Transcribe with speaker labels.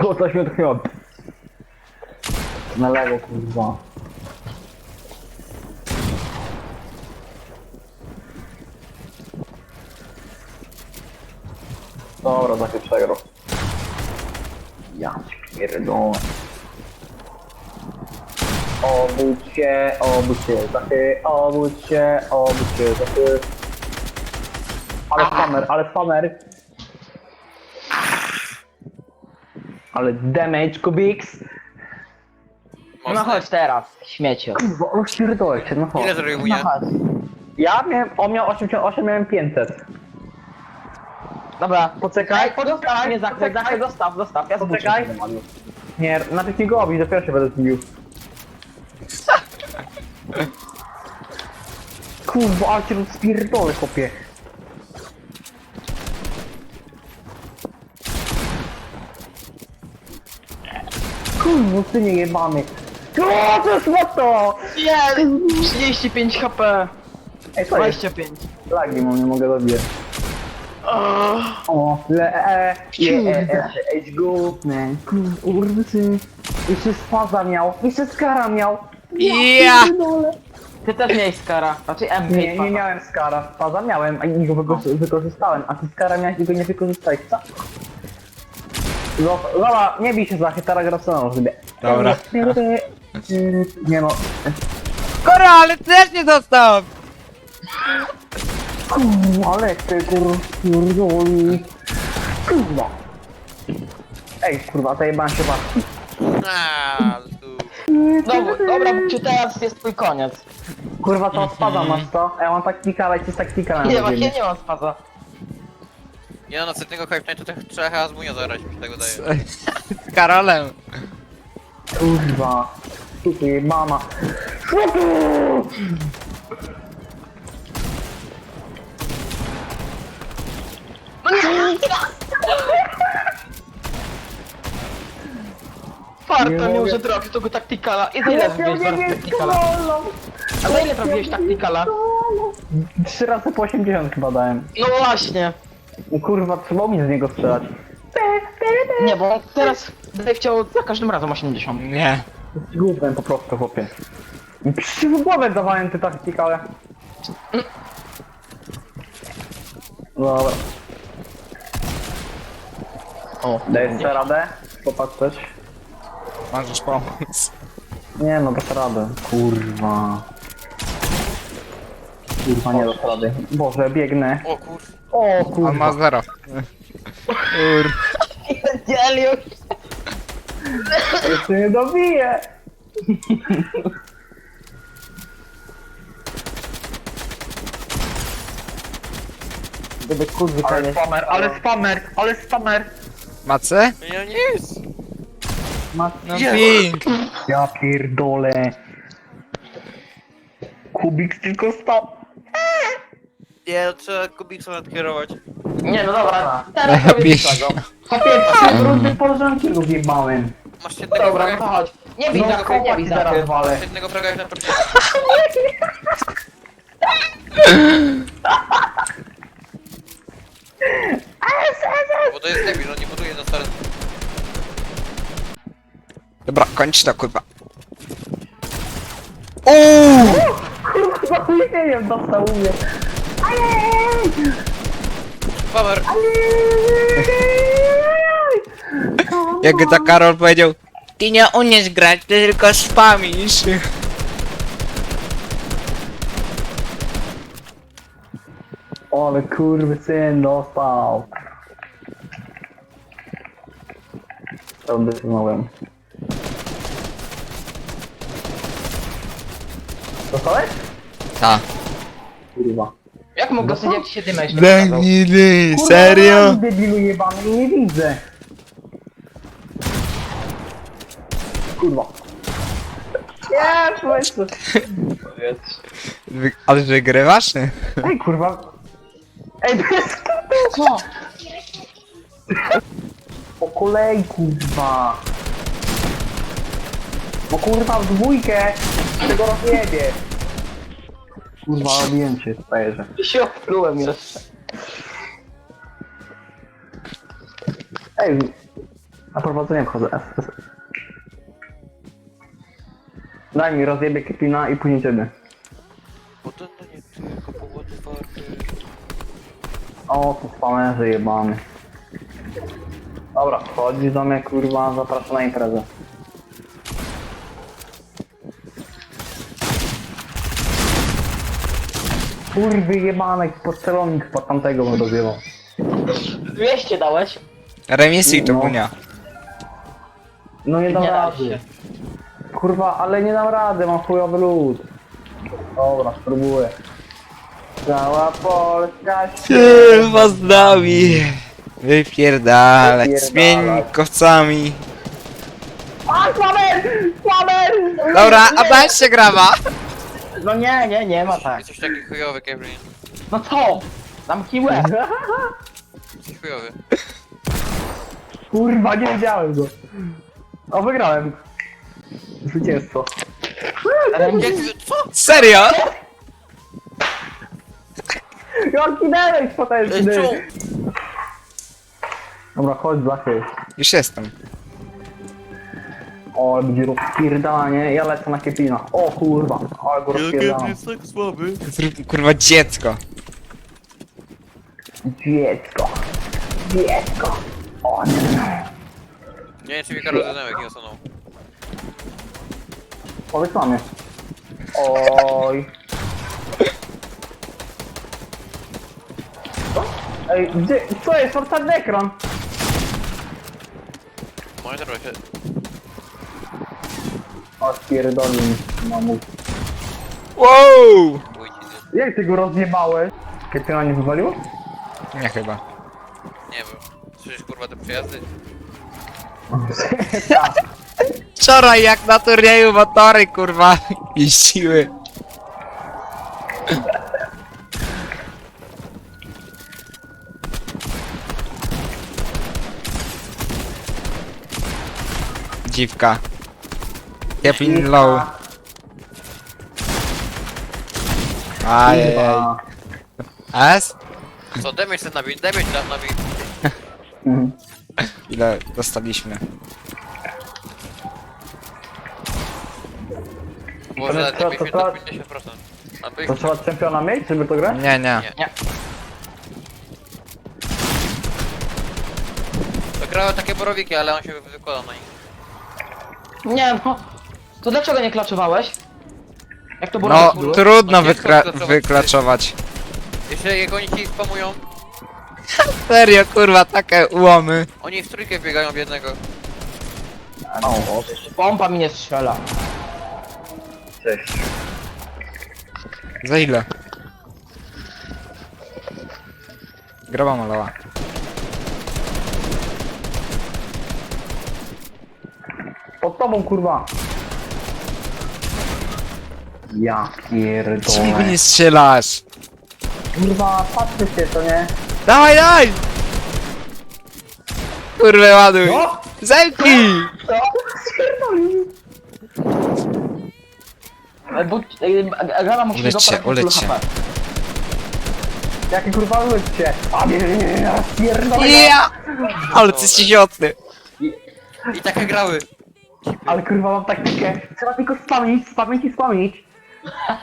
Speaker 1: O, coś mnie odchyliło. Na lewo, kurwa. Dobra, Zachy przegrał. Ja pierdolę. Obudź się, Zachy, obudź się, Zachy. Ale spamer. Ale damage, Kubiks.
Speaker 2: No
Speaker 3: Mocny.
Speaker 2: chodź teraz, śmieciu.
Speaker 1: Kurwa, rozpierdolę się, no chodź.
Speaker 3: Ile zrobił
Speaker 2: No
Speaker 3: mnie?
Speaker 2: chodź.
Speaker 1: Ja miałem, on miał 88, miałem 500.
Speaker 2: Dobra,
Speaker 1: Poczekaj,
Speaker 2: Zostaw mnie za
Speaker 1: poczekaj.
Speaker 2: chwilę, zostaw, ja
Speaker 1: Poczekaj.
Speaker 2: zbuczę.
Speaker 1: Nie, najpierw nie go obić, dopiero się będę zbił. Kurwa, ale cię rozpierdolę, chłopie. Kurwa, ty nie jebany. O, to jest moto!
Speaker 2: Nie, 35 HP.
Speaker 1: Ej, co jest?
Speaker 2: 25.
Speaker 1: Lagi mam, nie mogę dobijać. O, edge group, man. Kurwa, ty. Jeszcze spaza miał, jeszcze skara miał.
Speaker 3: Ja!
Speaker 1: pierdolę.
Speaker 2: Ty też miałeś skara, znaczy MP.
Speaker 1: Nie miałem skara, spaza miałem, a i go wykorzystałem, a ty skara miałeś i go nie wykorzystałeś, co? Dobra, nie bij się za teraz gra sceną sobie.
Speaker 3: Dobra.
Speaker 1: Nie no,
Speaker 3: Kora, ale też nie dostał!
Speaker 1: kurwa, ale ty kurwa, kurwa. Ej, kurwa, zajebałem się barki.
Speaker 2: Dobra, czy teraz jest twój koniec.
Speaker 1: Kurwa, to spada masz to? Ja mam taktika, ale ci z taktika
Speaker 2: Nie,
Speaker 1: na
Speaker 2: właśnie nie mam spaza.
Speaker 3: Ja na następnego Hype Nightu to trzeba chyba z Munio zagrać, mi się tego daje. Z Karolem.
Speaker 1: Kurwa. Tutaj mama.
Speaker 2: Farta
Speaker 1: Nie
Speaker 2: miał,
Speaker 1: mogę.
Speaker 2: że trafił tego taktykala. I za ile zrobiłeś zaraz taktykala? A za ile trafiłeś taktykala?
Speaker 1: 3 razy po 80 chyba dałem.
Speaker 2: No właśnie.
Speaker 1: Kurwa, trzeba mi z niego strzelać.
Speaker 2: Nie, bo teraz będę chciał za każdym razem 80.
Speaker 3: Nie.
Speaker 1: Głupem po prostu, chłopie. Przy w głowę dawałem te taktykale. Dobra.
Speaker 2: O,
Speaker 1: Daj jeszcze radę? Popatrzeć.
Speaker 3: Możesz pomóc.
Speaker 1: Nie no, dasz radę. Kurwa. Kurwa, nie dasz rady. Boże, biegnę.
Speaker 3: O kur...
Speaker 1: O
Speaker 3: On ma
Speaker 1: kurwa.
Speaker 3: 0. Kur...
Speaker 2: Dzielił.
Speaker 1: Jeszcze nie dobiję. Gdyby kurwy
Speaker 2: Ale
Speaker 1: spamer, ale spamer.
Speaker 3: Macy?
Speaker 2: Ja nic.
Speaker 1: Ma...
Speaker 3: No ping.
Speaker 1: Ja pierdolę. Kubik tylko stał.
Speaker 3: Nie, no trzeba Kubiksa nadkierować.
Speaker 2: Nie, no dobra, teraz robię
Speaker 3: Biś.
Speaker 2: tego.
Speaker 1: Chłopie, 3 rundy porządki zjebałem.
Speaker 3: Masz jednego
Speaker 2: Dobra,
Speaker 3: fraga,
Speaker 2: no chodź. Nie bij
Speaker 1: No,
Speaker 2: za nie bij
Speaker 1: koła
Speaker 2: za
Speaker 1: zaraz walę.
Speaker 3: masz jednego fraga jak na początku. Bo to jest debil, on nie buduje na start. Dobra, kończ to kurwa.
Speaker 1: Kurwa, nie wiem, dostał u mnie.
Speaker 3: Power. Jak to Karol powiedział, ty nie umiesz grać, ty tylko spamisz.
Speaker 1: Ale kurwy syn dostał. To wytrzymałem. Dostałeś?
Speaker 3: Ta.
Speaker 1: Kurwa.
Speaker 2: Jak mógł dosyć, jak ci się dymę jeszcze
Speaker 3: Daj
Speaker 2: pokazał?
Speaker 3: mi dy,
Speaker 1: Kurwa,
Speaker 3: serio?
Speaker 1: debilu jebany, nie widzę. Kurwa. Nie, słuchajcie.
Speaker 3: Ale wygrywasz?
Speaker 1: Ej, kurwa. Ej, bez
Speaker 2: Co?
Speaker 1: po kolei, kurwa. No kurwa, w dwójkę. Tego rozjebie. Kurwa, robiłem cię, stajerze.
Speaker 2: Się oplułem jeszcze.
Speaker 1: Ej, Na prowadzenie wchodzę. S. Daj mi rozjebie Kepina i później ciebie.
Speaker 3: Bo to no nie tylko powód otwarty.
Speaker 1: O, to spamerze jebany. Dobra, wchodzi do mnie, kurwa, zapraszam na imprezę. Kurwy jebanek, pod celownik pod tamtego bym rozjebał.
Speaker 2: 200 dałeś?
Speaker 4: Remisuj to
Speaker 1: No.
Speaker 4: Bunia.
Speaker 1: No nie dam
Speaker 2: Nie da
Speaker 1: rady.
Speaker 2: się.
Speaker 1: Kurwa, ale nie dam rady, mam chujowy lód. Dobra, spróbuję. Cała Polska
Speaker 4: Kurwa z nami. Wypierdalać.
Speaker 1: Wypierdalać.
Speaker 4: Z miękowcami.
Speaker 1: A, Słaber! Słaber!
Speaker 4: Dobra, a daj się grama.
Speaker 2: No nie ma tak.
Speaker 3: Jesteś taki chujowy, Kevin.
Speaker 2: No co? Zamknij łeb.
Speaker 3: Jesteś chujowy.
Speaker 1: Kurwa, nie widziałem go. O, wygrałem. Zwycięstwo.
Speaker 3: Jak ty, co?
Speaker 4: Serio?
Speaker 1: Jaki damage potężny!
Speaker 3: Czemu?
Speaker 1: Dobra, chodź, Blachy.
Speaker 4: Już jestem.
Speaker 1: O, ale będzie rozpierdalanie, ja lecę na Kepina. O kurwa, ale go rozpierdalam.
Speaker 3: tak słaby.
Speaker 4: Zrób kurwa dziecko.
Speaker 1: Dziecko. Dziecko. O nie.
Speaker 3: Nie wiem, czy mi Karol Zenemek nie osunął.
Speaker 1: Powiedz mamie. Oj. Ej, gdzie, co jest? Mam czarny ekran.
Speaker 3: Monitor się...
Speaker 1: O, spierdolił mi, mamu.
Speaker 4: Wow!
Speaker 3: Bój ci,
Speaker 1: Jak ty go rozjebałeś? Kepina nie wywaliło?
Speaker 4: Nie chyba.
Speaker 3: nie wiem. Słyszysz kurwa te przejazdy?
Speaker 1: Tak.
Speaker 4: Wczoraj jak na turnieju motory kurwa jeździły. Dziwka. Kepin low. Ajajaj.
Speaker 1: Kurwa.
Speaker 4: S?
Speaker 3: Co, damage ten nabij, damage ten nabij.
Speaker 1: Mhm.
Speaker 4: Ile dostaliśmy?
Speaker 3: Może
Speaker 1: To
Speaker 3: nawet
Speaker 1: co,
Speaker 3: jakbyś
Speaker 1: to
Speaker 3: to
Speaker 1: co?
Speaker 3: 50%. Albo ich...
Speaker 1: To trzeba czempiona mieć, żeby to grać?
Speaker 4: Nie, nie.
Speaker 3: To grały takie borowiki, ale on się wykładał na nich.
Speaker 2: Nie no. To dlaczego nie klaczowałeś? Jak to było?
Speaker 4: No
Speaker 2: było?
Speaker 4: trudno
Speaker 3: No, ciężko
Speaker 4: wyklaczować.
Speaker 3: Jeśli jak oni ci spamują,
Speaker 4: Serio kurwa, takie ułomy.
Speaker 3: oni w trójkę biegają w jednego.
Speaker 1: O,
Speaker 2: Pompa mi nie strzela.
Speaker 1: cześć.
Speaker 4: Za ile? Groba malała.
Speaker 1: Pod tobą, kurwa. Ja
Speaker 4: Czemu go
Speaker 1: pierdolę.
Speaker 4: nie strzelasz?
Speaker 1: Kurwa, patrzcie się, to nie?
Speaker 4: Dawaj, daj! Kurwa, ładuj!
Speaker 1: No!
Speaker 4: Zemknij!
Speaker 1: Co? Spierdolił.
Speaker 2: Bo Gala musi
Speaker 4: Ulecz się,
Speaker 2: go parę
Speaker 4: ulecz się.
Speaker 2: HP.
Speaker 1: Jakie kurwa ludzie? A nie, pierdolę.
Speaker 4: Ja! Ale ty jesteś idiotny.
Speaker 3: I takie grały.
Speaker 1: Ale kurwa mam taktykę. Trzeba tylko spamić, spamić i spamić.